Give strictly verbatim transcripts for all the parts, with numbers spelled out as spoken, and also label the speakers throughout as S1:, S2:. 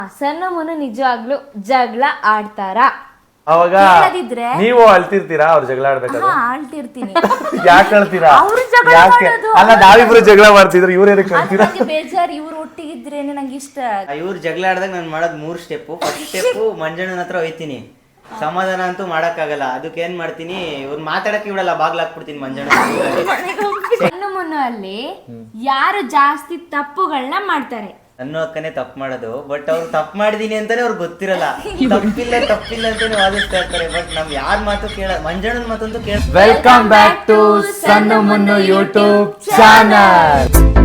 S1: ಸಣ್ಣ ಮುನ್ನು ನಿಜವಾಗ್ಲೂ ಜಗಳ ಆಡ್ತಾರ?
S2: ಅವಾಗ ನೀವು ಅಳ್ತಿರ್ತೀರಾ ಅವ್ರು ಜಗಳ ಆಡ್ಬೇಕಾದ್ರೆ?
S1: ಆಳ್ತಿರ್ತೀನಿ.
S2: ಯಾಕೆ ಅಳ್ತೀರಾ? ಯಾಕೆ ಅಲ್ಲ, ನಾವಿಬ್ರು ಜಗಳ ಮಾಡ್ತಿದ್ರು, ಇವ್ರು ಏನಕ್ಕೆ ಅಳ್ತೀರಾ?
S1: ಬೇಜಾರ್, ಇವ್ರು ಒಟ್ಟಿಗಿದ್ರೇನೆ ನಂಗೆ ಇಷ್ಟ.
S3: ಇವ್ರು ಜಗಳ ಆಡ್ದಾಗ ನಾನು ಮಾಡೋದು ಮೂರ್ ಸ್ಟೆಪ್. ಫಸ್ಟ್ ಸ್ಟೆಪ್ ಮಂಜಣ್ಣನ ಹತ್ರ ಹೋಯ್ತೀನಿ, ಸಮಾಧಾನ ಅಂತೂ ಮಾಡಕ್ಕಾಗಲ್ಲ. ಅದಕ್ಕೆ ಏನ್ ಮಾಡ್ತೀನಿ, ಇವ್ರು ಮಾತಾಡಕ್ಕೆ ಬಿಡಲ್ಲ, ಬಾಗ್ಲ ಹಾಕ್ಬಿಡ್ತೀನಿ ಮಂಜಣ್ಣ.
S1: ಸಣ್ಣ ಮುನ್ನು ಅಲ್ಲಿ ಯಾರು ಜಾಸ್ತಿ ತಪ್ಪುಗಳನ್ನ ಮಾಡ್ತಾರೆ?
S3: ಅನ್ನೋ ಅಕ್ಕನೇ ತಪ್ಪು ಮಾಡೋದು, ಬಟ್ ಅವ್ರು ತಪ್ಪು ಮಾಡಿದೀನಿ ಅಂತಾನೆ ಅವ್ರಿಗೆ ಗೊತ್ತಿರಲ್ಲ. ತಪ್ಪಿಲ್ಲ ತಪ್ಪಿಲ್ಲ ಅಂತಾನೆ ವಾದಿಸ್ತಾ ಇರ್ತಾರೆ. ಬಟ್ ನಾವ್ ಯಾರ ಮಾತು ಕೇಳ, ಮಂಜಣ್ಣನ ಮಾತಂತೂ ಕೇಳ.
S2: ವೆಲ್ಕಮ್ ಬ್ಯಾಕ್ ಟು ಸಣ್ಣ ಮುನ್ನು ಯೂಟ್ಯೂಬ್ ಚಾನಲ್.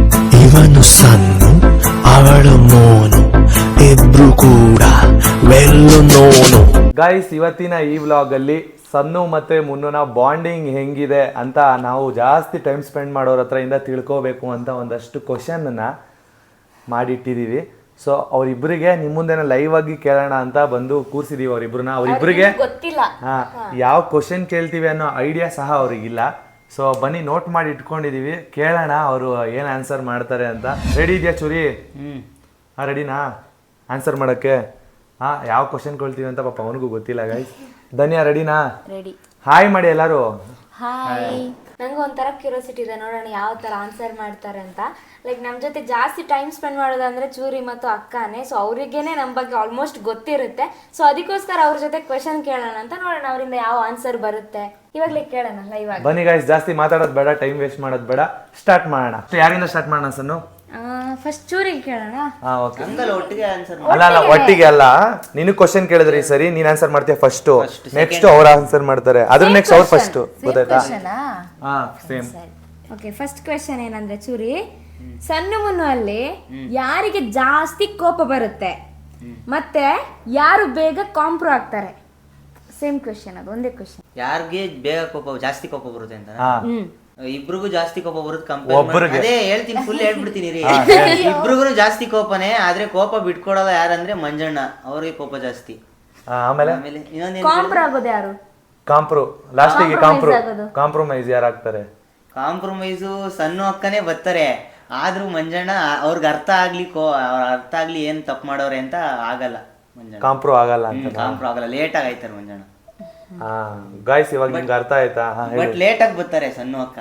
S4: ಇವನು ಸಣ್ಣ, ಅವಳು ಮೋನು, ಇಬ್ರು ಕೂಡ ವೆಲ್ಲು ನೋನು.
S2: ಗೈಸ್, ಇವತ್ತಿನ ಈ ವ್ಲಾಗ್ ಅಲ್ಲಿ ಸನ್ನು ಮತ್ತೆ ಮುನ್ನುನ ಬಾಂಡಿಂಗ್ ಹೆಂಗಿದೆ ಅಂತ ನಾವು ಜಾಸ್ತಿ ಟೈಮ್ ಸ್ಪೆಂಡ್ ಮಾಡೋರ ಹತ್ರ ಇಂದ ತಿಳ್ಕೋಬೇಕು ಅಂತ ಒಂದಷ್ಟು ಕ್ವಶನ್ ಅನ್ನ ಮಾಡಿಟ್ಟಿದೀವಿ. ಸೊ ಅವ್ರಿಬ್ರಿಗೆ ನಿಮ್ಮ ಮುಂದೆನ ಲೈವ್ ಆಗಿ ಕೇಳೋಣ ಅಂತ ಬಂದು ಕೂರ್ಸಿದೀವಿ ಅವ್ರಿಬ್ರನ್ನ. ಅವ್ರಿಬ್ರಿಗೆ ಹಾ ಯಾವ ಕ್ವಶನ್ ಕೇಳ್ತೀವಿ ಅನ್ನೋ ಐಡಿಯಾ ಸಹ ಅವ್ರಿಗಿಲ್ಲ. ಸೊ ಬನ್ನಿ ನೋಟ್ ಮಾಡಿ ಇಟ್ಕೊಂಡಿದೀವಿ, ಕೇಳೋಣ ಅವರು ಏನ್ ಆನ್ಸರ್ ಮಾಡ್ತಾರೆ ಅಂತ. ರೆಡಿ ಇದೆಯಾ ಚೂರಿ?
S3: ಹ್ಮ್
S2: ಹಾ ರೆಡಿನಾ ಆನ್ಸರ್ ಮಾಡಕ್ಕೆ? ಹಾ ಯಾವ ಕ್ವಶನ್ ಕೇಳ್ತೀವಿ ಅಂತ ಪಾಪ ಅವನಿಗೂ ಗೊತ್ತಿಲ್ಲ. ಗೈಸ್ ಧನ್ಯ ರೆಡಿನಾ?
S1: ರೆಡಿ.
S2: ಹಾಯ್ ಮಾಡಿ ಎಲ್ಲರೂ.
S1: ಹಾಯ್. ನಂಗೆ ಒಂಥರ ಕ್ಯೂರಿಯಾಸಿಟಿ ಇದೆ, ನೋಡೋಣ ಯಾವ ತರ ಆನ್ಸರ್ ಮಾಡ್ತಾರೆ ಅಂತ. ಲೈಕ್ ನಮ್ಮ ಜೊತೆ ಜಾಸ್ತಿ ಟೈಮ್ ಸ್ಪೆಂಡ್ ಮಾಡೋದಂದ್ರೆ ಚೂರಿ ಮತ್ತು ಅಕ್ಕನೇ. ಸೊ ಅವರಿಗೇನೆ ನಮ್ಮ ಬಗ್ಗೆ ಆಲ್ಮೋಸ್ಟ್ ಗೊತ್ತಿರುತ್ತೆ. ಸೊ ಅದಕ್ಕೋಸ್ಕರ ಅವ್ರ ಜೊತೆ ಕ್ವೆಶನ್ ಕೇಳೋಣ ಅಂತ, ನೋಡೋಣ ಅವರಿಂದ ಯಾವ ಆನ್ಸರ್ ಬರುತ್ತೆ. ಇವಾಗಲೇ ಕೇಳೋಣ ಲೈವ್ ಆಗಿ.
S2: ಬನ್ನಿ ಗೈಸ್, ಜಾಸ್ತಿ ಮಾತಾಡೋದು ಬೇಡ, ಟೈಮ್ ವೇಸ್ಟ್ ಮಾಡೋದು ಬೇಡ, ಸ್ಟಾರ್ಟ್ ಮಾಡೋಣ. ಯಾರಿಂದ ಸ್ಟಾರ್ಟ್ ಮಾಡೋಣ ಸನ್ನು?
S1: ಫಸ್ಟ್ ಚೂರಿಗೆ ಕೇಳೋಣ.
S2: ಹಾ ಓಕೆ.
S3: ಹಂಗಲ್ಲ, ಒಟ್ಟಿಗೆ ಆನ್ಸರ್.
S2: ಅಲ್ಲ ಅಲ್ಲ ಒಟ್ಟಿಗೆ ಅಲ್ಲ, ನೀನು ಕ್ವಶನ್ ಕೇಳಿದ್ರಿ ಸರಿ, ನೀನ್ ಆನ್ಸರ್ ಮಾಡ್ತೀಯ ಫಸ್ಟ್, ನೆಕ್ಸ್ಟ್ ಅವ್ರು ಆನ್ಸರ್ ಮಾಡ್ತಾರೆ, ಅದ್ರ ನೆಕ್ಸ್ಟ್ ಅವ್ರು ಫಸ್ಟ್. ಗೊತ್ತಾಯ್ತಾ? ಹಾ ಸೇಮ್.
S1: ಓಕೆ, ಫಸ್ಟ್ ಕ್ವೆಶ್ಚನ್ ಏನಂದ್ರೆ ಚೂರಿ, ಸಣ್ಣ ಮುನ್ನು ಅಲ್ಲಿ ಯಾರಿಗೆ ಜಾಸ್ತಿ ಕೋಪ ಬರುತ್ತೆ ಮತ್ತೆ ಯಾರು ಬೇಗ ಕಾಂಪ್ರೋ ಆಗ್ತಾರೆ? ಸೇಮ್ ಕ್ವೆಶ್ಚನ್, ಅದು ಒಂದೇ ಕ್ವೆಶ್ಚನ್.
S3: ಯಾರಿಗೆ ಬೇಗ ಕೋಪ ಜಾಸ್ತಿ ಕೋಪ ಬರುತ್ತೆ ಅಂತ?
S2: ಹಾ
S3: ಇಬ್ರಿಗೂ ಜಾಸ್ತಿ ಕೋಪ ಬರುತ್ತೆ ಕಂಪೇರ್. ಅದೇ ಹೇಳ್ತೀನಿ, ಫುಲ್ ಹೇಳ್ಬಿಡ್ತೀನಿ ರೀ. ಇಬ್ರಿಗೂ ಜಾಸ್ತಿ ಕೋಪನೇ, ಆದ್ರೆ ಕೋಪ ಬಿಟ್ಕೊಡಲ್ಲ ಯಾರಂದ್ರೆ ಮಂಜಣ್ಣ, ಅವ್ರಿಗೆ ಕೋಪ ಜಾಸ್ತಿ.
S2: ಆಮೇಲೆ
S3: ಆಮೇಲೆ ಇನ್ನೊಂದ್
S1: ಕಾಂಪ್ರೋ ಆಗೋದು ಯಾರು?
S2: ಕಾಂಪ್ರೋ, ಲಾಸ್ಟಿಗೆ ಕಾಂಪ್ರೋ. ಕಾಂಪ್ರಮೈಸ್ ಯಾರು ಆಗ್ತಾರೆ?
S3: ಕಾಂಪ್ರಮೈಸು ಸಣ್ಣ ಅಕ್ಕನೇ ಬರ್ತಾರೆ, ಆದ್ರೂ ಮಂಜಣ್ಣ ಅವ್ರಿಗೆ ಅರ್ಥ ಆಗ್ಲಿ, ಕೋ ಅವ್ರ ಅರ್ಥ ಆಗ್ಲಿ ಏನ್ ತಪ್ಪು ಮಾಡೋರೆ ಅಂತ ಆಗಲ್ಲ ಮಂಜಣ್ಣ.
S2: ಕಾಂಪ್ರೋ ಆಗಲ್ಲ ಅಂತ?
S3: ಕಾಂಪ್ರೋ ಆಗಲ್ಲ, ಲೇಟ್ ಆಗಿ ಆಯ್ತಾರೆ ಮಂಜಣ್ಣ.
S2: ಹಾ ಗಾಯ್ಸ್, ಇವಾಗ ನಿಮ್ಗೆ ಅರ್ಥ ಆಯ್ತಾ?
S3: ಬಟ್ ಲೇಟ್ ಆಗಿ ಬರ್ತಾರೆ ಸಣ್ಣ ಅಕ್ಕ.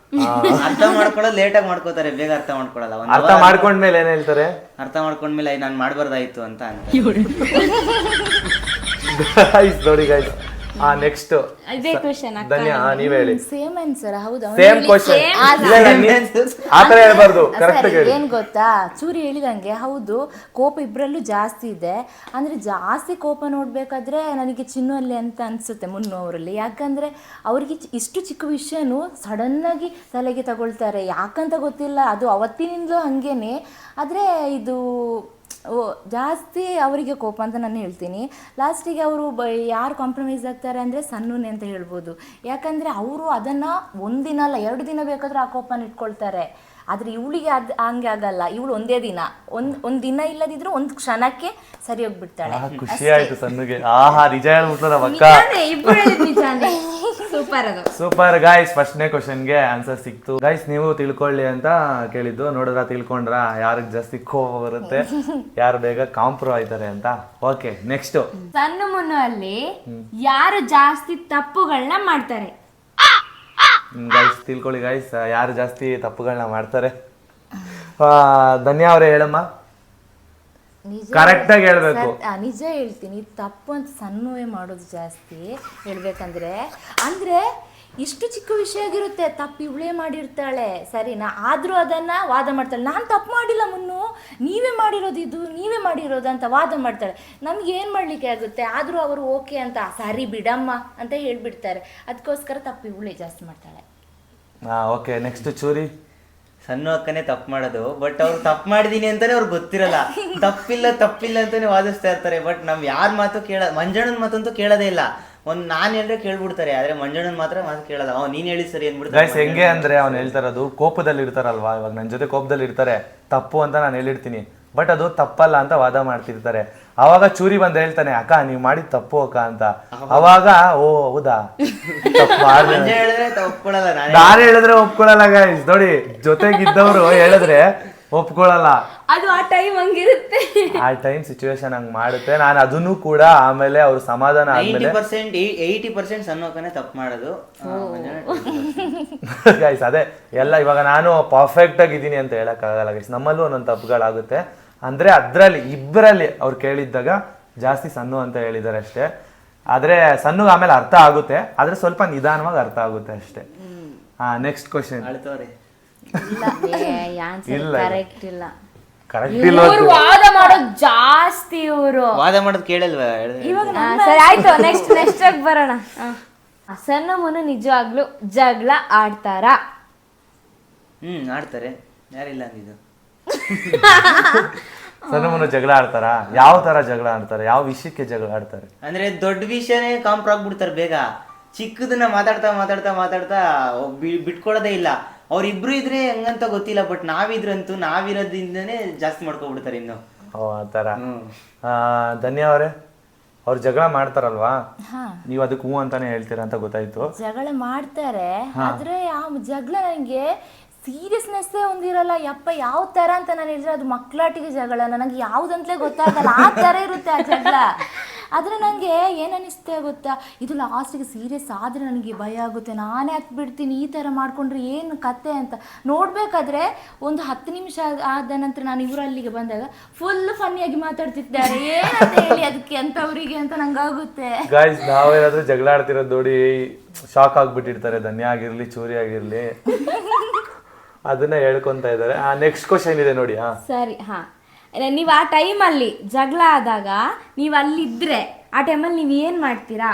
S3: ಅರ್ಥ ಮಾಡ್ಕೊಳ್ಳೋದು ಲೇಟ್ ಆಗಿ ಮಾಡ್ಕೋತಾರೆ, ಬೇಗ ಅರ್ಥ ಮಾಡ್ಕೊಳಲ್ಲ.
S2: ಅರ್ಥ ಮಾಡ್ಕೊಂಡ್ಮೇಲೆ ಏನ್ ಹೇಳ್ತಾರೆ?
S3: ಅರ್ಥ ಮಾಡ್ಕೊಂಡ್ಮೇಲೆ ನಾನ್ ಮಾಡ್ಬಾರ್ದಾಯ್ತು ಅಂತ ಅಂತ.
S2: ಗೈಸ್ ನೋಡಿ ಗೈಸ್, ಆ ನೆಕ್ಸ್ಟ್
S1: ಇದೇ ಕ್ವೆಶ್ಚನ್ ಅಕ್ಕ.
S2: ಧನ್ಯ ನೀವ್ ಹೇಳಿ.
S1: Same answer. ಹೌದಾ?
S2: Same question. ಆತರ ಹೇಳ್ಬಾರ್ದು, ಕರೆಕ್ಟ್ ಹೇಳಿ.
S1: ಏನ್ ಗೊತ್ತಾ, ಚೂರಿ ಹೇಳಿದಂಗೆ ಹೌದು, ಕೋಪ ಇಬ್ರಲ್ಲೂ ಜಾಸ್ತಿ ಇದೆ. ಅಂದ್ರೆ ಜಾಸ್ತಿ ಕೋಪ ನೋಡ್ಬೇಕಾದ್ರೆ ನನಗೆ ಚಿನ್ನು ಅಲ್ಲಿ ಅಂತ ಅನ್ಸುತ್ತೆ, ಮುನ್ನು ಅವರಲ್ಲಿ. ಯಾಕಂದ್ರೆ ಅವ್ರಿಗೆ ಇಷ್ಟು ಚಿಕ್ಕ ವಿಷಯನೂ ಸಡನ್ ಆಗಿ ತಲೆಗೆ ತಗೊಳ್ತಾರೆ, ಯಾಕಂತ ಗೊತ್ತಿಲ್ಲ. ಅದು ಅವತ್ತಿನಿಂದಲೂ ಹಂಗೇನೆ. ಆದ್ರೆ ಇದು ಓ ಜಾಸ್ತಿ ಅವರಿಗೆ ಕೋಪ ಅಂತ ನಾನು ಹೇಳ್ತೀನಿ. ಲಾಸ್ಟಿಗೆ ಅವರು ಬ ಯಾರು ಕಾಂಪ್ರಮೈಸ್ ಆಗ್ತಾರೆ ಅಂದರೆ ಸಣ್ಣನೇ ಅಂತ ಹೇಳ್ಬೋದು. ಯಾಕಂದರೆ ಅವರು ಅದನ್ನು ಒಂದಿನ ಅಲ್ಲ ಎರಡು ದಿನ ಬೇಕಾದರೂ ಆ ಕೋಪನ ಇಟ್ಕೊಳ್ತಾರೆ. ಆದರೆ ಇವಳಿಗೆ ಅದು ಹಂಗೆ ಆಗಲ್ಲ. ಇವಳು ಒಂದೇ ದಿನ, ಒಂದು ಒಂದು ದಿನ ಇಲ್ಲದಿದ್ರು ಒಂದು ಕ್ಷಣಕ್ಕೆ ಸರಿ ಹೋಗ್ಬಿಡ್ತಾಳೆ.
S2: ಖುಷಿ ಆಯ್ತು ಸನ್ನುಗೆ. ಆಹಾ ನಿಜ ಹೇಳ್ಬಿಡ್ತಾರ ಅಕ್ಕ.
S1: ಸೂಪರ್. ಅದು
S2: ಸೂಪರ್ ಗೈಸ್. ಫಸ್ಟ್ನೇ ಕ್ವಶನ್ಗೆ ಆನ್ಸರ್ ಸಿಕ್ತು ಗೈಸ್. ನೀವು ತಿಳ್ಕೊಳ್ಳಿ ಅಂತ ಕೇಳಿದ್ದು, ನೋಡಿದ್ರ ತಿಳ್ಕೊಂಡ್ರ ಯಾರಿಗೆ ಜಾಸ್ತಿ ಕೋಪ ಬರುತ್ತೆ, ಯಾರು ಬೇಗ ಕಾಂಪ್ರೋ ಆಯ್ತಾರೆ ಅಂತ. Okay next.
S1: ಸಣ್ಣ ಮುನ್ನು ಅಲ್ಲಿ ಯಾರು ಜಾಸ್ತಿ ತಪ್ಪುಗಳನ್ನ ಮಾಡ್ತಾರೆ?
S2: ಗೈಸ್ ತಿಳ್ಕೊಳ್ಳಿ ಗೈಸ್, ಯಾರು ಜಾಸ್ತಿ ತಪ್ಪುಗಳನ್ನ ಮಾಡ್ತಾರೆ. ಧನ್ಯ ಅವರೇ ಹೇಳಮ್ಮ, ಕರೆಕ್ಟ್ ಆಗಿ ಹೇಳ್ಬೇಕು.
S1: ನಿಜ ಹೇಳ್ತೀನಿ, ತಪ್ಪು ಅಂತ ಸಣ್ಣವೇ ಮಾಡೋದು ಜಾಸ್ತಿ ಹೇಳ್ಬೇಕಂದ್ರೆ. ಅಂದ್ರೆ ಇಷ್ಟು ಚಿಕ್ಕ ವಿಷಯ ಆಗಿರುತ್ತೆ, ತಪ್ಪು ಇವಳೇ ಮಾಡಿರ್ತಾಳೆ ಸರಿನಾ, ಆದ್ರೂ ಅದನ್ನ ವಾದ ಮಾಡ್ತಾಳೆ. ನಾನು ತಪ್ಪು ಮಾಡಿಲ್ಲ ಮುನ್ನು, ನೀವೇ ಮಾಡಿರೋದು, ಇದು ನೀವೇ ಮಾಡಿರೋದು ಅಂತ ವಾದ ಮಾಡ್ತಾಳೆ. ನಮ್ಗೆ ಏನು ಮಾಡ್ಲಿಕ್ಕೆ ಆಗುತ್ತೆ? ಆದ್ರೂ ಅವರು ಓಕೆ ಅಂತ ಸರಿ ಬಿಡಮ್ಮ ಅಂತ ಹೇಳ್ಬಿಡ್ತಾರೆ. ಅದಕ್ಕೋಸ್ಕರ ತಪ್ಪು ಇವಳೇ ಜಾಸ್ತಿ ಮಾಡ್ತಾಳೆ.
S2: ಹಾ ಓಕೆ ನೆಕ್ಸ್ಟ್ ಚೂರಿ.
S3: ಸಣ್ಣ ಅಕ್ಕನೇ ತಪ್ಪು ಮಾಡೋದು, ಬಟ್ ಅವ್ರು ತಪ್ಪು ಮಾಡಿದೀನಿ ಅಂತಾನೆ ಅವ್ರಿಗೆ ಗೊತ್ತಿರಲ್ಲ. ತಪ್ಪಿಲ್ಲ ತಪ್ಪಿಲ್ಲ ಅಂತಾನೆ ವಾದಿಸ್ತಾ ಇರ್ತಾರೆ. ಬಟ್ ನಾವ್ ಯಾರ ಮಾತು ಕೇಳ, ಮಂಜಣ್ಣನ ಮಾತಂತೂ ಕೇಳೋದೇ ಇಲ್ಲ. ಒಂದ್ ನಾನ್ ಹೇಳಿದ್ರೆ ಕೇಳ್ಬಿಡ್ತಾರೆ, ಆದ್ರೆ ಮಂಜಣ್ಣನ್ ಮಾತ್ರ ಮಾತು ಕೇಳಲ್ಲ. ಅವ್ ನೀನ್ ಹೇಳಿ ಸರಿ ಅನ್ಬಿಡ್ತಾರೆ.
S2: ಗೈಸ್ ಹೆಂಗೆ ಅಂದ್ರೆ ಅವ್ನು ಹೇಳ್ತಾರದು ಕೋಪದಲ್ಲಿ ಇರ್ತಾರಲ್ವಾ, ಇವಾಗ ನನ್ನ ಜೊತೆ ಕೋಪದಲ್ಲಿ ಇರ್ತಾರೆ, ತಪ್ಪು ಅಂತ ನಾನು ಹೇಳಿರ್ತೀನಿ, ಬಟ್ ಅದು ತಪ್ಪಲ್ಲ ಅಂತ ವಾದ ಮಾಡ್ತಿರ್ತಾರೆ. ಅವಾಗ ಚೂರಿ ಬಂದ್ ಹೇಳ್ತಾನೆ, ಅಕ್ಕ ನೀವ್ ಮಾಡಿದ್ ತಪ್ಪು ಅಕ್ಕ ಅಂತ. ಅವಾಗ ಓ ಹೌದಾ
S3: ಒಪ್ಕೊಳಲ್ಲ,
S2: ನಾನು ಹೇಳಿದ್ರೆ ಒಪ್ಕೊಳಲ್ಲ ಗೈಸ್. ನೋಡಿ ಜೊತೆಗಿದ್ದವ್ರು ಹೇಳಿದ್ರೆ ಒಪ್ಕೊಳಲ್ಲ,
S1: ಅದು ಆ ಟೈಮ್ ಹಂಗಿರುತ್ತೆ.
S2: ಆ ಟೈಮ್ ಸಿಚುವೇಶನ್ ಹಂಗ್ ಮಾಡುತ್ತೆ. ನಾನು ಅದನ್ನು ಕೂಡ ಆಮೇಲೆ ಅವ್ರು ಸಮಾಧಾನ
S3: ನೈಂಟಿ
S2: ಆದ್ಮೇಲೆ
S3: ಪರ್ಸೆಂಟ್ ಏಯ್ಟಿ ಪರ್ಸೆಂಟ್ ಸಣ್ಣಕ್ಕನೇ ತಪ್ಪು ಮಾಡೋದು.
S2: ಗೈಸ್ ಅದೇ ಎಲ್ಲ ಇವಾಗ ನಾನು ಪರ್ಫೆಕ್ಟ್ ಆಗಿದ್ದೀನಿ ಅಂತ ಹೇಳಕ್ಕಾಗಲ್ಲ ಗೈಸ್, ನಮ್ಮಲ್ಲೂ ಒಂದೊಂದು ತಪ್ಪುಗಳಾಗುತ್ತೆ. ಅಂದ್ರೆ ಅದ್ರಲ್ಲಿ ಇಬ್ಬರಲ್ಲಿ ಅವ್ರು ಕೇಳಿದ್ದಾಗ ಜಾಸ್ತಿ ಸಣ್ಣ ಅಂತ ಹೇಳಿದ್ದಾರೆ ಅಷ್ಟೇ. ಆದ್ರೆ ಸಣ್ಣಗೆ ಆಮೇಲೆ ಅರ್ಥ ಆಗುತ್ತೆ, ಆದ್ರೆ ಸ್ವಲ್ಪ ನಿಧಾನವಾಗಿ ಅರ್ಥ ಆಗುತ್ತೆ ಅಷ್ಟೇ. ಹಾ ನೆಕ್ಸ್ಟ್ ಕ್ವಶನ್.
S3: ಅಳ್ತವ್ರೆ.
S2: ಇಲ್ಲ
S1: ಕರೆಕ್ಟ್ ಇಲ್ಲ,
S2: ಕರೆಕ್ಟ್ ಇಲ್ಲ.
S1: ಇವ್ರು ವಾದ ಮಾಡೋದು ಜಾಸ್ತಿ. ಇವರು
S3: ವಾದ ಮಾಡೋದು ಕೇಳಲ್ವಾ?
S1: ಸರಿ ಆಯ್ತು, ನೆಕ್ಸ್ಟ್ ನೆಕ್ಸ್ಟ್ ಆಗಿ ಬರೋಣ. ಸಣ್ಣ ಮುನು ನಿಜವಾಗ್ಲೂ ಜಗಳ ಆಡ್ತಾರ?
S3: ಹ್ಮ್ ಆಡ್ತಾರೆ, ಯಾರಿಲ್ಲ ಅಂದಿದ್ದು.
S2: ಸಣ್ಣ ಮುನು ಜಗಳ ಆಡ್ತಾರ? ಯಾವ ತರ ಜಗಳ ಆಡ್ತಾರೆ, ಯಾವ ವಿಷಯಕ್ಕೆ ಜಗಳ ಆಡ್ತಾರೆ?
S3: ಅಂದ್ರೆ ದೊಡ್ಡ ವಿಷಯನೇ ಕಾಂಪ್ರ ಆಗ್ಬಿಡ್ತಾರೆ ಬೇಗ. ಚಿಕ್ಕದನ್ನ ಮಾತಾಡ್ತಾ ಮಾತಾಡ್ತಾ ಮಾತಾಡ್ತಾ ಬಿ- ಬಿಟ್ಕೊಳ್ಳೋದೇ ಇಲ್ಲ. ಅವ್ರಿಬ್ರು ಇದ್ರೆ ಹೆಂಗಂತ ಗೊತ್ತಿಲ್ಲ, ಬಟ್ ನಾವಿದ್ರಂತೂ ನಾವಿರೋದ್ರಿಂದನೇ ಜಾಸ್ತಿ ಮಾಡ್ಕೊಬಿಡ್ತಾರೆ ಇನ್ನು.
S2: ಓ ಆ ಥರ. ಧನ್ಯ ಅವರೇ, ಅವ್ರು ಜಗಳ ಮಾಡ್ತಾರಲ್ವಾ, ನೀವು ಅದಕ್ಕೆ ಹೂ ಅಂತಾನೆ ಹೇಳ್ತೀರಾ ಅಂತ ಗೊತ್ತಾಯ್ತು.
S1: ಜಗಳ ಮಾಡ್ತಾರೆ, ಆದ್ರೆ ಆ ಜಗಳ ನನಗೆ ಸೀರಿಯಸ್ನೆಸ್ಸೇ ಒಂದಿರಲ್ಲ. ಯಪ್ಪ ಯಾವ ತರ ಅಂತ ನಾನು ಹೇಳಿದ್ರೆ ಅದು ಮಕ್ಕಳಾಟಿಗೆ ಜಗಳ, ನನಗೆ ಯಾವ್ದಂತಲೇ ಗೊತ್ತಾಗಲ್ಲ, ಆ ತರ ಇರುತ್ತೆ ಆ ಜಗಳ. ಆದ್ರೆ ನನಗೆ ಏನನ್ನಿಸ್ತೆ ಗೊತ್ತಾ, ಇದು ಲಾಸ್ಟಿಗೆ ಸೀರಿಯಸ್ ಆದ್ರೆ ನನಗೆ ಭಯ ಆಗುತ್ತೆ, ನಾನೇ ಹತ್ತು ಬಿಡ್ತೀನಿ ಈ ತರ ಮಾಡ್ಕೊಂಡ್ರೆ ಏನು ಕತೆ ಅಂತ. ನೋಡ್ಬೇಕಾದ್ರೆ ಒಂದು ಹತ್ತು ನಿಮಿಷ ಆದ ನಂತರ ನಾನು ಇವರು ಅಲ್ಲಿಗೆ ಬಂದಾಗ ಫುಲ್ ಫನ್ನಿಯಾಗಿ ಮಾತಾಡ್ತಿದ್ದಾರೆ, ಏನಂತ ಹೇಳಿ ಅದಕ್ಕೆ ಅಂತವರಿಗೆ ಅಂತ ನಂಗಾಗುತ್ತೆ.
S2: ಗಾಯ್ಸ್ ನಾವೇನಾದ್ರೂ ಜಗಳ ಆಡ್ತಿರೋದು ನೋಡಿ ಶಾಕ್ ಆಗ್ಬಿಟ್ಟಿರ್ತಾರೆ, ಧನ್ಯ ಆಗಿರ್ಲಿ ಚೂರಿ ಆಗಿರ್ಲಿ, ಅದನ್ನ ಹೇಳ್ಕೊಂತ ಇದ್ದಾರೆ. ಆ ನೆಕ್ಸ್ಟ್ ಕ್ವಶನ್ ಇದೆ ನೋಡಿ. ಹಾ
S1: ಸರಿ, ಹಾ ನೀವು ಆ ಟೈಮಲ್ಲಿ ಜಗಳ ಆದಾಗ ನೀವು ಅಲ್ಲಿದ್ರೆ ಆ ಟೈಮಲ್ಲಿ ನೀವು ಏನ್ ಮಾಡ್ತೀರಾ?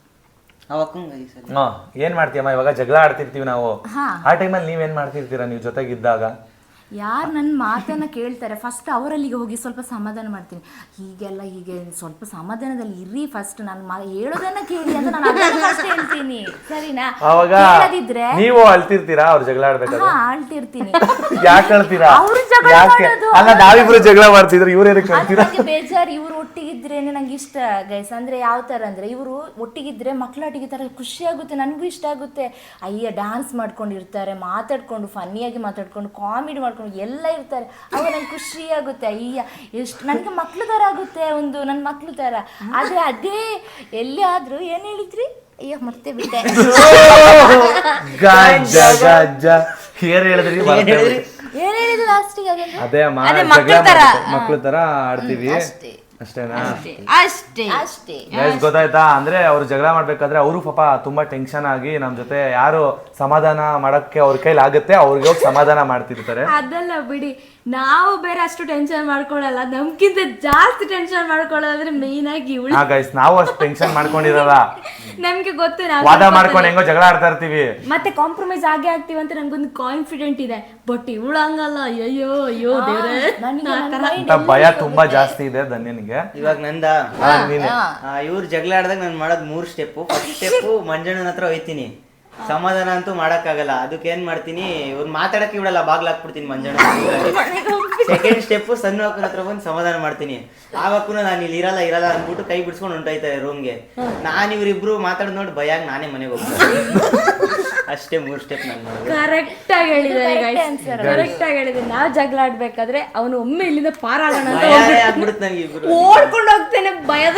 S2: ಹಾ ಏನ್ ಮಾಡ್ತೀಯಮ್ಮ? ಇವಾಗ ಜಗಳ ಆಡ್ತಿರ್ತೀವಿ ನಾವು, ಆ ಟೈಮಲ್ಲಿ ನೀವೇನ್ ಮಾಡ್ತಿರ್ತೀರಾ ನೀವು ಜೊತೆಗಿದ್ದಾಗ?
S1: ಯಾರು ನನ್ನ ಮಾತನ್ನ ಕೇಳ್ತಾರೆ ಫಸ್ಟ್ ಅವರಲ್ಲಿಗೆ ಹೋಗಿ ಸ್ವಲ್ಪ ಸಮಾಧಾನ ಮಾಡ್ತೀನಿ. ಹೀಗೆಲ್ಲ ಹೀಗೆ ಸ್ವಲ್ಪ ಸಮಾಧಾನದಲ್ಲಿ ಇರ್ರಿ, ಫಸ್ಟ್ ನಾನು ಹೇಳೋದನ್ನ ಕೇಳಿ ಅಂತ ನಾನು ಅದನ್ನ ಫಸ್ಟ್ ಹೇಳ್ತೀನಿ, ಸರಿನಾ?
S2: ಅವಾಗ
S1: ಹೇಳದಿದ್ರೆ
S2: ನೀವು ಅಳ್ತಿರ್ತೀರಾ ಅವ್ರು ಜಗಳ ಆಡ್ಬೇಕಾದ್ರೆ?
S1: ಹಾ ಅಳ್ತಿರ್ತೀನಿ.
S2: ಯಾಕೆ ಅಳ್ತೀರಾ?
S1: ಅವ್ರು ಜಗಳ
S2: ಯಾಕೆ
S1: ಮಾಡೋದು.
S2: ಅಲ್ಲ, ನಾವಿಬ್ರು ಜಗಳ ಮಾಡ್ತಿದ್ರು, ಇವ್ರು ಏನಕ್ಕೆ
S1: ಅದು
S2: ಅಳ್ತೀರಾ?
S1: ನಂಗೆ ಬೇಜಾರು. ಇವ್ರು ಒಟ್ಟಿಗಿದ್ರೇನೆ ನಂಗೆ ಇಷ್ಟ ಗೈಸ್. ಅಂದ್ರೆ ಯಾವ ತರ ಅಂದ್ರೆ ಇವರು ಒಟ್ಟಿಗಿದ್ರೆ ಮಕ್ಕಳೊಟ್ಟಿಗೆ ತರ ಖುಷಿ ಆಗುತ್ತೆ, ನನಗೂ ಇಷ್ಟ ಆಗುತ್ತೆ. ಅಯ್ಯ ಡ್ಯಾನ್ಸ್ ಮಾಡ್ಕೊಂಡಿರ್ತಾರೆ, ಮಾತಾಡ್ಕೊಂಡು ಫನ್ನಿಯಾಗಿ ಮಾತಾಡ್ಕೊಂಡು ಕಾಮಿಡಿ ಮಾಡ್ಕೊಂಡು ಎಲ್ಲ ಇರ್ತಾರೆ, ಅವಾಗ ನಂಗೆ ಖುಷಿ ಆಗುತ್ತೆ. ಅಯ್ಯ ಎಷ್ಟು ನನಗೆ ಮಕ್ಳು ತರ ಆಗುತ್ತೆ, ಒಂದು ನನ್ನ ಮಕ್ಳು ತರ. ಆದ್ರೆ ಅದೇ ಎಲ್ಲಿ ಆದ್ರೂ ಏನ್ ಹೇಳಿದ್ರಿ? ಅಯ್ಯ ಮತ್ತೆ ಬಿಟ್ಟೆ.
S2: ಗಜ್ಜ ಗಜ್ಜ ಏನ್ ಹೇಳಿದ್ರಿ?
S1: ಏನ್ ಹೇಳಿದ್ರು ಲಾಸ್ಟಿಗೆ? ಅದನ್ನ
S2: ಅದೇ ಅಮ್ಮ ಜಗಳ ಮಕ್ಳು ತರ ಆಡ್ತೀವಿ ಅಷ್ಟೇನಾ?
S1: ಅಷ್ಟೇ ಅಷ್ಟೇ
S2: ಗೈಸ್ ಗೊತ್ತಾಯ್ತಾ? ಅಂದ್ರೆ ಅವ್ರು ಜಗಳ ಮಾಡ್ಬೇಕಾದ್ರೆ ಅವರು ಪಾಪ ತುಂಬಾ ಟೆನ್ಷನ್ ಆಗಿ ನಮ್ ಜೊತೆ ಯಾರು ಸಮಾಧಾನ ಮಾಡಕ್ಕೆ ಅವ್ರ ಕೈಲಿ ಆಗುತ್ತೆ ಅವ್ರಿಗೆ ಹೋಗಿ ಸಮಾಧಾನ ಮಾಡ್ತಿರ್ತಾರೆ.
S1: ಅದೆಲ್ಲ ಬಿಡಿ, ನಾವು ಬೇರೆ ಅಷ್ಟು ಟೆನ್ಷನ್ ಮಾಡ್ಕೊಳ್ಳಲ್ಲ, ನಮ್ಗಿಂತ ಜಾಸ್ತಿ ಟೆನ್ಷನ್ ಮಾಡ್ಕೊಳ್ಳೋದ್ರೆ ಮೇನ್ ಆಗಿ ಇವಳು.
S2: ಹಾ ಗೈಸ್ ನಾವು ಅಷ್ಟು ಟೆನ್ಷನ್ ಮಾಡ್ಕೊಂಡಿರಲ್ಲ,
S1: ನಮ್ಗೆ ಗೊತ್ತು ನಾವು
S2: ವಾದ ಮಾಡ್ಕೊಂಡು ಹೆಂಗೋ ಜಗಳ ಆಡ್ತಾ ಇರ್ತೀವಿ,
S1: ಮತ್ತೆ ಕಾಂಪ್ರಮೈಸ್ ಆಗೇ ಆಗ್ತೀವಿ ಅಂತ ನಂಗೊಂದು ಕಾನ್ಫಿಡೆಂಟ್ ಇದೆ. ಬಟ್ ಇವಳು ಹಂಗಲ್ಲ, ಅಯ್ಯೋ ಅಯ್ಯೋ ದೇವ್ರೆ,
S2: ಭಯ ತುಂಬಾ ಜಾಸ್ತಿ ಇದೆ ಧನ್ಯನಿಗೆ.
S3: ಇವಾಗ ನಂದ ಇವ್ರು ಜಗಳ ಆಡ್ದಾಗ ನಾನು ಮಾಡೋದು ಮೂರ್ ಸ್ಟೆಪ್. ಫಸ್ಟ್ ಸ್ಟೆಪ್ ಮಂಜಣ್ಣನ ಹತ್ರ ಹೋಯ್ತೀನಿ, ಸಮಾಧಾನ ಅಂತೂ ಮಾಡಕ್ಕಾಗಲ್ಲ, ಅದಕ್ಕೆ ಏನ್ ಮಾಡ್ತೀನಿ, ಇವ್ರು ಮಾತಾಡಕ್ಕೆ ಬಿಡಲ್ಲ, ಬಾಗ್ಲ ಹಾಕ್ಬಿಡ್ತೀನಿ ಮಂಜಣ್ಣ. ಸೆಕೆಂಡ್ ಸ್ಟೆಪ್ ಸಣ್ಣ ಅಕ್ಕನ ಹತ್ರ ಬಂದು ಸಮಾಧಾನ ಮಾಡ್ತೀನಿ. ಆವಕ್ಕೂ ನಾನು ಇಲ್ಲಿ ಇರಲ್ಲ ಇರಲ್ಲ ಅಂದ್ಬಿಟ್ಟು ಕೈ ಬಿಡ್ಸ್ಕೊಂಡು ಹೊಂಟೋಯ್ತಾರೆ ರೂಮ್ಗೆ. ನಾನು ಇವ್ರಿಬ್ರು ಮಾತಾಡ್ ನೋಡಿ ಭಯ ಆಗಿ ನಾನೇ ಮನೆಗೆ ಹೋಗ್ತೀನಿ. ಅಷ್ಟೇ ಮೂರ್ ಸ್ಟೆಪ್ ನಾನು ಮಾಡೋದು.
S1: ಕರೆಕ್ಟ್ ಆಗಿ ಹೇಳಿದ್ದಾರೆ, ಕರೆಕ್ಟ್ ಆಗಿ ಹೇಳಿದ್ದಾರೆ. ನಾವ್ ಜಗಳ ಆಡ್ಬೇಕಾದ್ರೆ ಅವನು ಒಮ್ಮೆ ಇಲ್ಲಿಂದ ಪಾರಾಗೋಣ ಅಂತ
S3: ಆಗ್ಬಿಡುತ್ತೆ ನನಗೆ, ಇಬ್ರು
S1: ಓಡ್ಕೊಂಡು ಹೋಗ್ತೇನೆ ಭಯದ.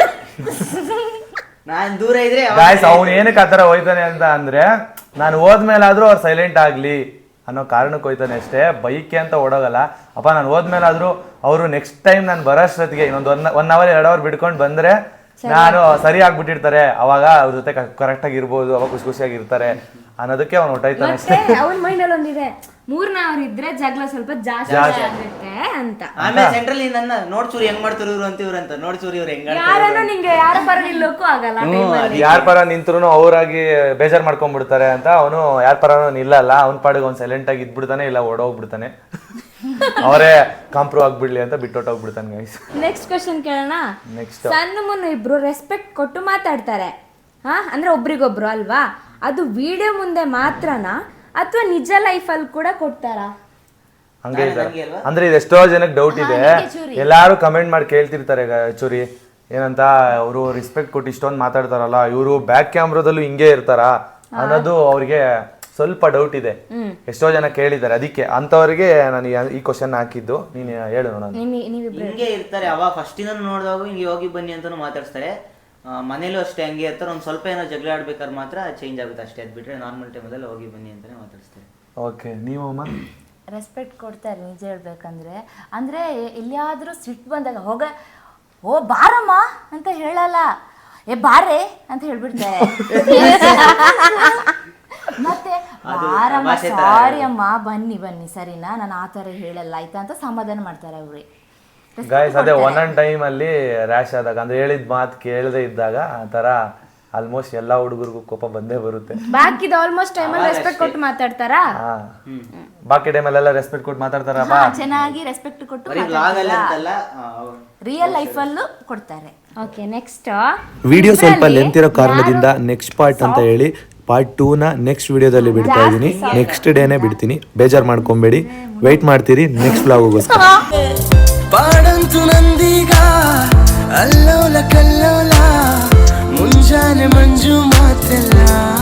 S3: ನಾನ್ ದೂರ ಇದ್ರೆ
S2: ಗಾಯ್ಸ್ ಅವ್ನು ಏನಕ್ಕೆ ಆತರ ಹೋಯ್ತಾನೆ ಅಂತ ಅಂದ್ರೆ, ನಾನು ಹೋದ್ಮೇಲಾದ್ರೂ ಅವ್ರು ಸೈಲೆಂಟ್ ಆಗ್ಲಿ ಅನ್ನೋ ಕಾರಣಕ್ಕೆ ಹೋಯ್ತಾನೆ ಅಷ್ಟೇ, ಬೈಕೆ ಅಂತ ಓಡೋಗಲ್ಲ. ಅಪ್ಪ ನಾನು ಹೋದ್ಮೇಲಾದ್ರೂ ಅವರು ನೆಕ್ಸ್ಟ್ ಟೈಮ್ ನಾನು ಬರೋಷ್ಟೊತ್ತಿಗೆ ಇನ್ನೊಂದು ಒನ್ ಒನ್ ಅವರ್ ಎರಡು ಅವರ್ ಬಿಡ್ಕೊಂಡು ಬಂದ್ರೆ ನಾನು ಸರಿ ಆಗ್ಬಿಟ್ಟಿರ್ತಾರೆ, ಅವಾಗ ಅವ್ರ ಜೊತೆ ಕರೆಕ್ಟ್ ಆಗಿ ಇರ್ಬೋದು, ಅವಾಗ ಖುಷಿ ಖುಷಿಯಾಗಿ ಇರ್ತಾರೆ ಅನ್ನೋದಕ್ಕೆ ಅವ್ನು ಹೊಟ್ಟೈತಾನೆ ಅಷ್ಟೇ.
S1: ಅವನ ಮೈಂಡ್ ಅಲ್ಲಿ ಒಂದಿದೆ, ಮೂರ್ನ ಅವ್ರು ಇದ್ರೆ ಜಗಳ ಸ್ವಲ್ಪ ಜಾಸ್ತಿ ಆಗುತ್ತೆ ಅಂತ.
S3: ಆಮೇಲೆ ಸೆಂಟ್ರಲ್ ನನ್ನ ನೋಡ್ಚೂರಿ ಹೆಂಗ್ ಮಾಡ್ತಾರೆ ಇವ್ರು ಅಂತ ಇವ್ರು ಅಂತ ನೋಡ್ಚೂರಿ ಇವ್ರು ಹೆಂಗ್
S1: ಯಾರನ್ನ ನಿಂಗೆ ಯಾರ ಪರ ನಿಲ್ಲೋಕ್ಕೂ ಆಗಲ್ಲ.
S2: ಯಾರ ಪರ ನಿಂತ್ರು ಅವರಾಗಿ ಬೇಜಾರ್ ಮಾಡ್ಕೊಂಡ್ಬಿಡ್ತಾರೆ ಅಂತ ಅವನು ಯಾರ ಪರನೂ ನಿಲ್ಲಲ್ಲ, ಅವ್ನ ಪಾಡಿಗೆ ಅವ್ನು ಸೈಲೆಂಟ್ ಆಗಿ ಇದ್ಬಿಡ್ತಾನೆ, ಇಲ್ಲ ಓಡೋಗ್ಬಿಡ್ತಾನೆ, ಅವರೇ ಕಾಂಪ್ರೂವ್ ಆಗ್ಬಿಡ್ಲಿ ಅಂತ ಬಿಟ್ಟೊಟ್ಟೋಗ್ಬಿಡ್ತಾನೆ ಗೈಸ್.
S1: ನೆಕ್ಸ್ಟ್ ಕ್ವಶನ್ ಕೇಳೋಣ.
S2: ನೆಕ್ಸ್ಟ್
S1: ಸಣ್ಣ ಮುನ್ನು ಇಬ್ರು ರೆಸ್ಪೆಕ್ಟ್ ಕೊಟ್ಟು ಮಾತಾಡ್ತಾರೆ, ಹಾ ಅಂದ್ರೆ ಒಬ್ರಿಗೊಬ್ರು ಅಲ್ವಾ? ಅದು ವಿಡಿಯೋ ಮುಂದೆ ಮಾತ್ರನಾ ಅಥವಾ ನಿಜ ಲೈಫಲ್ಲಿ ಕೂಡ ಕೊಡ್ತಾರಾ?
S2: ಹಂಗೆ ಇದ್ದಾರೆ. ಅಂದ್ರೆ ಇದು ಎಷ್ಟೋ ಜನಕ್ಕೆ ಡೌಟ್ ಇದೆ, ಎಲ್ಲಾರು ಕಮೆಂಟ್ ಮಾಡಿ ಕೇಳ್ತಿರ್ತಾರೆ ಚೂರಿ ಏನಂತ, ಅವರು ರೆಸ್ಪೆಕ್ಟ್ ಕೊಟ್ಟು ಇಷ್ಟೊಂದು ಮಾತಾಡ್ತಾರಲ್ಲ, ಇವರು ಬ್ಯಾಕ್ ಕ್ಯಾಮ್ರಾದಲ್ಲೂ ಹಿಂಗೆ ಇರ್ತಾರ ಅನ್ನೋದು ಅವ್ರಿಗೆ ಸ್ವಲ್ಪ ಡೌಟ್ ಇದೆ, ಎಷ್ಟೋ ಜನ ಕೇಳಿದ್ದಾರೆ, ಅದಕ್ಕೆ ಅಂತವರಿಗೆ ನಾನು ಈ ಕ್ವಶನ್ ಹಾಕಿದ್ದು. ನೀನು ಹೇಳು ನೋಡೋಣ.
S1: ನಿಮಗೆ ನೀವಿಬ್ರು
S3: ಹಿಂಗೆ ಇರ್ತಾರೆ. ಅವಾಗ ಫಸ್ಟಿಂದ ನೋಡಿದಾಗ ಹಿಂಗೆ ಹೋಗಿ ಬನ್ನಿ ಅಂತಾನು ಮಾತಾಡ್ತಾರೆ. ಮನೇಲೂ ಅಷ್ಟೇ ಹಂಗೆ ಇರ್ತಾರೆ. ಒಂದು ಸ್ವಲ್ಪ ಏನೋ ಜಗಳ ಆಡ್ಬೇಕಾದ್ರೆ ಮಾತ್ರ ಚೇಂಜ್ ಆಗುತ್ತೆ ಅಷ್ಟೇ. ಅದು ಬಿಟ್ಟರೆ ನಾರ್ಮಲ್ ಟೈಮಲ್ಲಿ ಹೋಗಿ ಬನ್ನಿ ಅಂತಾನೆ ಮಾತಾಡಿಸ್ತಾರೆ.
S2: ಓಕೆ, ನೀವು ಅಮ್ಮ?
S1: ರೆಸ್ಪೆಕ್ಟ್ ಕೊಡ್ತಾರೆ ನಿಜ ಹೇಳ್ಬೇಕಂದ್ರೆ. ಅಂದರೆ ಎಲ್ಲಿಯಾದರೂ ಸಿಟ್ಟು ಬಂದಾಗ ಹೋಗ ಓ ಬಾರಮ್ಮ ಅಂತ ಹೇಳಲ್ಲ, ಏ ಬಾರೆ ಅಂತ ಹೇಳ್ಬಿಡ್ತಾರೆ. ಮತ್ತೆ ಬಾರಮ್ಮ, ಸಾರಿ ಅಮ್ಮ, ಬನ್ನಿ ಬನ್ನಿ ಸರಿನಾ, ನಾನು ಆ ಥರ ಹೇಳಲ್ಲ ಆಯ್ತಾ ಅಂತ ಸಮಾಧಾನ ಮಾಡ್ತಾರೆ ಅವ್ರಿ.
S2: ಗಾಯ್ಸ್ ಅದೇ ಒಂದೊಂದು ಟೈಮಲ್ಲಿ ರ್ಯಾಶ್ ಆದಾಗ ಅಂದ್ರೆ ಹೇಳಿದ ಮಾತು ಕೇಳದೆ ಇದ್ದಾಗ ಆ ಥರ ಆಲ್ಮೋಸ್ಟ್ ಎಲ್ಲ ಹುಡುಗರಿಗೂ ಕೋಪ ಬಂದೇ ಬರುತ್ತೆ.
S1: ಬಾಕಿದ ಆಲ್ಮೋಸ್ಟ್ ಟೈಮಲ್ಲಿ ರೆಸ್ಪೆಕ್ಟ್ ಕೊಟ್ಟು ಮಾತಾಡ್ತಾರಾ?
S2: ಹಾ, ಬಾಕಿ ಟೈಮಲ್ಲೆಲ್ಲ ರೆಸ್ಪೆಕ್ಟ್ ಕೊಟ್ಟು ಮಾತಾಡ್ತಾರಪ್ಪ.
S1: ಚೆನ್ನಾಗಿ ರೆಸ್ಪೆಕ್ಟ್ ಕೊಟ್ಟು ರಿಯಲ್ ಲೈಫಲ್ಲೂ ಕೊಡ್ತಾರೆ. ಓಕೆ, ನೆಕ್ಸ್ಟ್
S2: ವಿಡಿಯೋ ಸ್ವಲ್ಪ ಲೆಂತ್ ಇರೋ ಕಾರಣದಿಂದ ನೆಕ್ಸ್ಟ್ ಪಾರ್ಟ್ ಅಂತ ಹೇಳಿ ಪಾರ್ಟ್ ಟೂ ನ ನೆಕ್ಸ್ಟ್ ವಿಡಿಯೋದಲ್ಲಿ ಬಿಡ್ತಾ ಇದ್ದೀನಿ. ನೆಕ್ಸ್ಟ್ ಡೇನೆ ಬಿಡ್ತೀನಿ, ಬೇಜಾರು ಮಾಡ್ಕೊಬೇಡಿ, ವೆಯ್ಟ್ ಮಾಡ್ತೀರಿ ನೆಕ್ಸ್ಟ್ ವ್ಲಾಗೋಸ್ಕರ.
S4: ಪಾಡಂತು ನಂದೀಗ ಅಲ್ಲೋಲ ಕಲ್ಲೋಲ ಮುಂಜಾನೆ ಮಂಜು ಮಾತೆಲ್ಲ